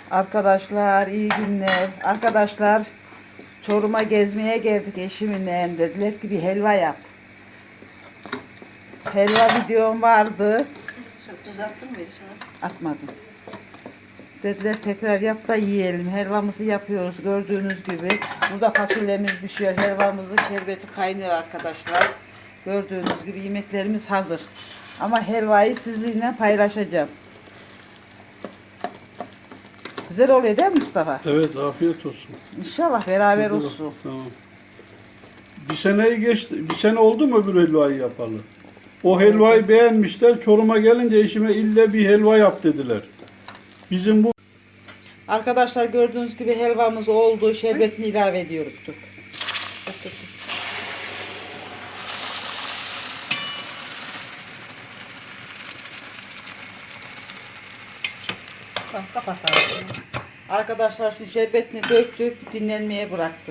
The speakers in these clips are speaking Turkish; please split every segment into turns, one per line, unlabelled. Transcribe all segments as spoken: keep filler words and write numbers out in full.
Arkadaşlar iyi günler. Arkadaşlar Çorum'a gezmeye geldik eşimle. Dediler ki bir helva yap. Helva videom vardı.
Çok tuz attın mı hiç?
Atmadım. Dediler tekrar yap da yiyelim. Helvamızı yapıyoruz gördüğünüz gibi. Burada fasulyemiz pişiyor. Helvamızın şerbeti kaynıyor arkadaşlar. Gördüğünüz gibi yemeklerimiz hazır. Ama helvayı sizinle paylaşacağım. Güzel oluyor değil mi Mustafa?
Evet, afiyet olsun.
İnşallah beraber
Güzel.
olsun.
Tamam. Bir seneyi geçti. Bir sene oldu mu öbür helvayı yapalı? O helvayı beğenmişler. Çorum'a gelince eşime ille bir helva yap dediler. Bizim bu
Arkadaşlar gördüğünüz gibi helvamız oldu. Şerbetini ilave ediyoruz. Dur. Dur, dur, dur. Tamam, kapatalım. Arkadaşlar şimdi şerbetini döktük. Dinlenmeye bıraktık.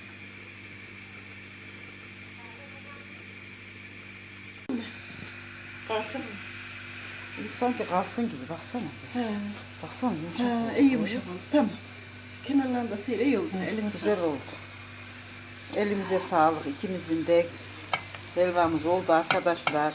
Kalsın mı?
İlk sanki kalsın gibi. Baksana.
He.
Baksana yumuşak.
Ha,
oldu.
iyi yumuşak oldu. Tamam. Kenarlarında da seyre iyi oldu. Elim
Güzel oldu. Elimize sağlık. İkimizin de helvamız oldu arkadaşlar.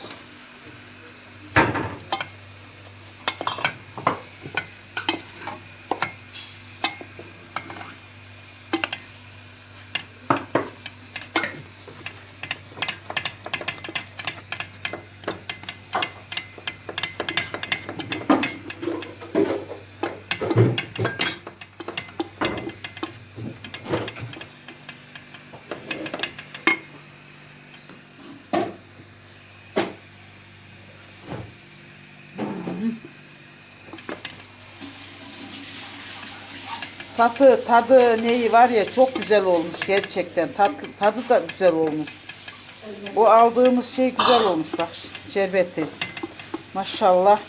Satı, tadı, neyi var ya çok güzel olmuş gerçekten. Tad, tadı da güzel olmuş. O aldığımız şey güzel olmuş bak şerbeti. Maşallah.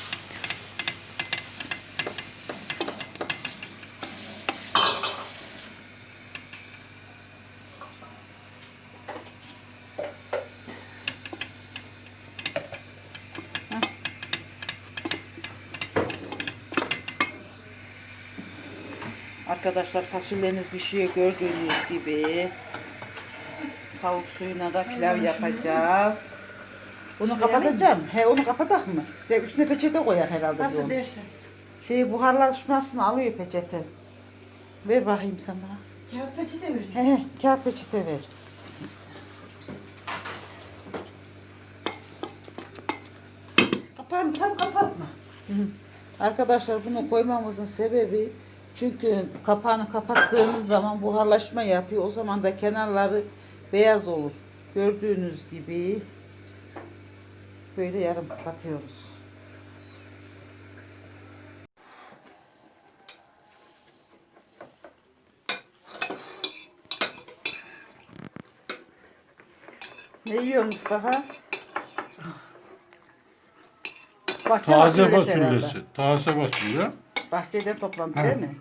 Arkadaşlar fasulyeniz pişiyor gördüğünüz gibi. Tavuk suyuna da pilav yapacağız. Bunu kapatacağım. He onu kapatak mı? Ve üstüne peçete koyak herhalde.
nasıl
bu.
dersin?
Şey buharlaşmasını alıyor peçete. Ver bakayım sana.
Kağıt peçete verin.
He he kağıt peçete ver.
Kapağını tam kapatma.
Hı. Arkadaşlar bunu koymamızın sebebi çünkü kapağını kapattığımız zaman buharlaşma yapıyor. O zaman da kenarları beyaz olur. Gördüğünüz gibi böyle yarım kapatıyoruz. Ne yiyor Mustafa? Bahçe
taze
fasulyesi
fasulyesi.
herhalde.
Taze fasulye.
Bahçeden toplandı
Ha.
değil mi?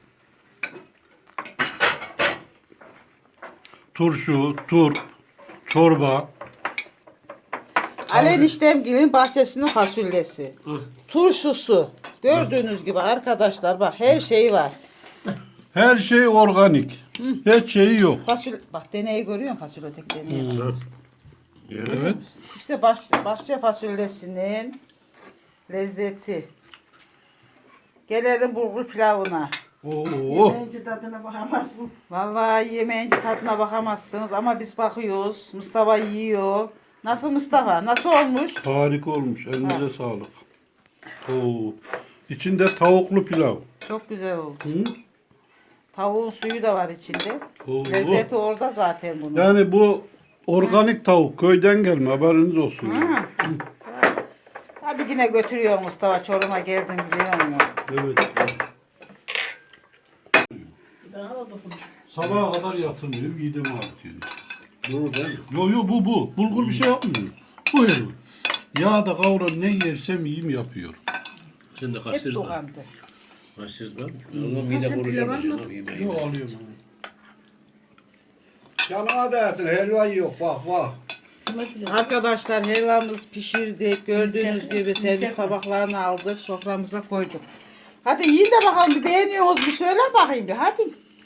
Turşu, turp, çorba.
Ali eniştemgilin bahçesinin fasulyesi. Turşusu. Gördüğünüz gibi arkadaşlar bak her şey var.
Her şey organik. Hiç şeyi yok.
Fasulye, bak deneyi görüyor musun fasulyedeki deneyi?
Evet.
İşte baş, bahçe fasulyesinin lezzeti. Gelelim bulgur pilavına.
Oo.
Yemeğince tadına bakamazsın.
Vallahi yemeyince tadına bakamazsınız ama biz bakıyoruz. Mustafa yiyor. Nasıl Mustafa? Nasıl olmuş?
Harika olmuş. Elinize sağlık. Oo. İçinde tavuklu pilav.
Çok güzel oldu.
Hı?
Tavuğun suyu da var içinde.
Oo.
Lezzeti orada zaten bunun.
Yani bu organik tavuk köyden gelme, haberiniz olsun.
Hı. Hadi yine götürüyor Mustafa. Çorum'a geldim biliyor musun?
Evet.
Daha da dokun.
Sabaha kadar yatırmıyor, midemi artıyor.
Bu değil mi?
Yo yo bu bu. Bulgur bir şey yapmıyor. Bu helva. Yağda kavran ne yersem yiyeyim yapıyor.
Sen de
Hep
kaçırız var.
dokandı.
Kaçırız var. Allah mide koruyacağım abi yemeği.
Yo alıyorum.
Canına dersin helva yok bak bak.
Arkadaşlar helvamız pişirdik. Gördüğünüz gibi servis tabaklarını aldık. Soframıza koyduk. Hadi yiyin de bakalım bir beğeniyorsunuz bir söyle bakayım bir hadi.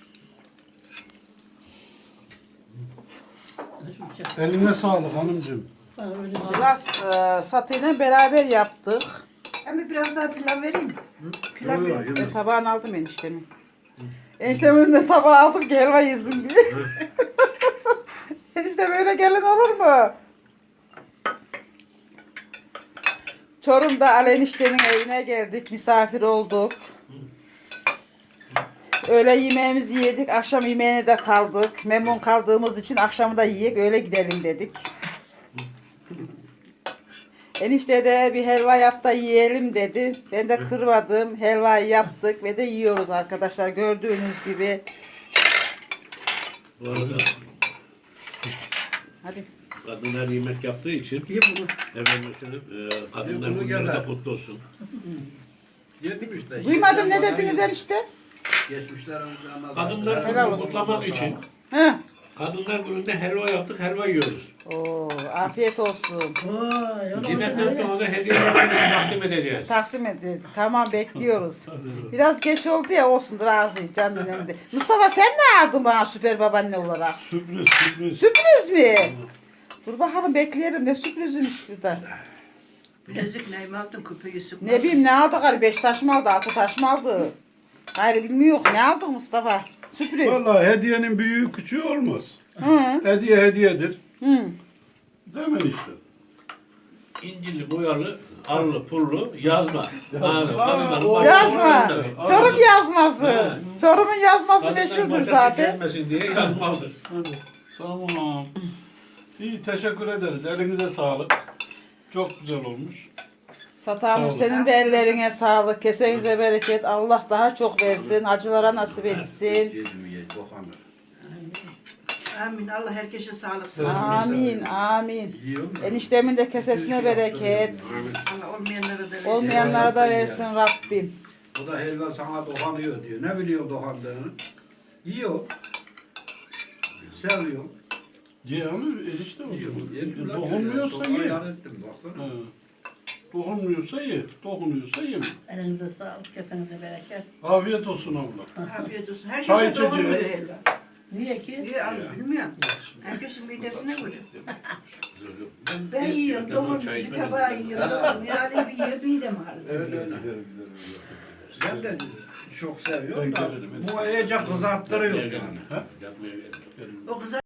Eline sağlık hanımcığım.
Biraz e, satıyla beraber yaptık.
Ama biraz daha pilav vereyim mi? Pilav biraz.
Ben tabağını aldım eniştemin. Eniştemin de tabağı aldım ki helva yesin diye. Enişte böyle gelin olur mu? Çorum'da Ali eniştenin evine geldik. Misafir olduk. Öğle yemeğimizi yedik. Akşam yemeğine de kaldık. Memnun kaldığımız için akşamı da yiyek öyle gidelim dedik. Enişte de bir helva yap da yiyelim dedi. Ben de kırmadım. Helvayı yaptık ve de yiyoruz arkadaşlar. Gördüğünüz gibi.
Bu arada
Hadi.
kadınlar yemek yaptığı için
Ye bunu.
efendim söyleyeyim, e, kadınlar
Bunu
günleri de
gönder.
kutlu olsun.
Yemişler.
Duymadım ne dediniz enişte?
Geçmişler önce
Kadınlar
Helal
gününü
olsun.
kutlamak için
Hı.
kadınlar gününde helva yaptık, helva yiyoruz.
Oo, afiyet olsun.
Yemekten sonra da hediyeleri takdim edeceğiz.
Taksim edeceğiz. Tamam bekliyoruz. Biraz geç oldu ya olsun razı canım önemli. Mustafa sen ne aldın bana süper babaanne olarak?
Sürpriz sürpriz.
Sürpriz mi? Dur bakalım bekleyelim ne sürprizmiş burada.
Bilezik neyimi aldın küpeyi sıkma.
Ne bileyim ne aldık hani beş taş mı aldı altı taş mı aldı? Hayır bilmiyor ne aldık Mustafa? Sürpriz.
Vallahi hediyenin büyüğü küçüğü olmaz.
Hı.
Hediye hediyedir.
Hı.
Değil mi işte?
İncili, boyalı, arılı, pullu yazma. Abi,
Aa,
kadınların
o-
başı
Yazma.
ortasında.
Çorum yazması.
He.
Çorum'un yazması
Kadınlar
meşhurdur
başa
zaten.
gelmesin diye yazmalıdır.
Hadi. Tamam. İyi teşekkür ederiz. Elinize sağlık. Çok güzel olmuş.
Satamım
Sağ ol.
senin de ellerine sağlık. Kesenize bereket. Allah daha çok versin. Acılara nasip etsin.
Amin. Allah herkese sağlık sağlık.
Amin. Amin. Eniştemin de kesesine bereket.
Allah olmayanlara da versin.
Olmayanlara da versin Rabbim.
Bu da helva sana dokanıyor diyor. Ne biliyor dokandığını? Yiyor. Seviyor.
Ye ama erişte mi?
Yiyor.
Dokunmuyorsa ye.
Dokan ettim baksana.
He. Dokunmuyorsa ye. Dokunuyorsa yeme.
Elinize sağlık, kesinize bereket.
Afiyet olsun abla.
Afiyet olsun. Her
Çay
şey
içeceğiz.
doğmuyor helva.
Niye ki?
Niye abi bilmiyorum. Herkesin midesine göre. Ben yiyorum, doğum bir tabağı yiyorum, doğum. Yani bir yiyor, midem ağrıyor.
Öyle öyle. Ben de çok
Ben
seviyorum da
gelirim.
bu iyice kızarttırıyor yani.
Yapmaya gerek yok.
O kızar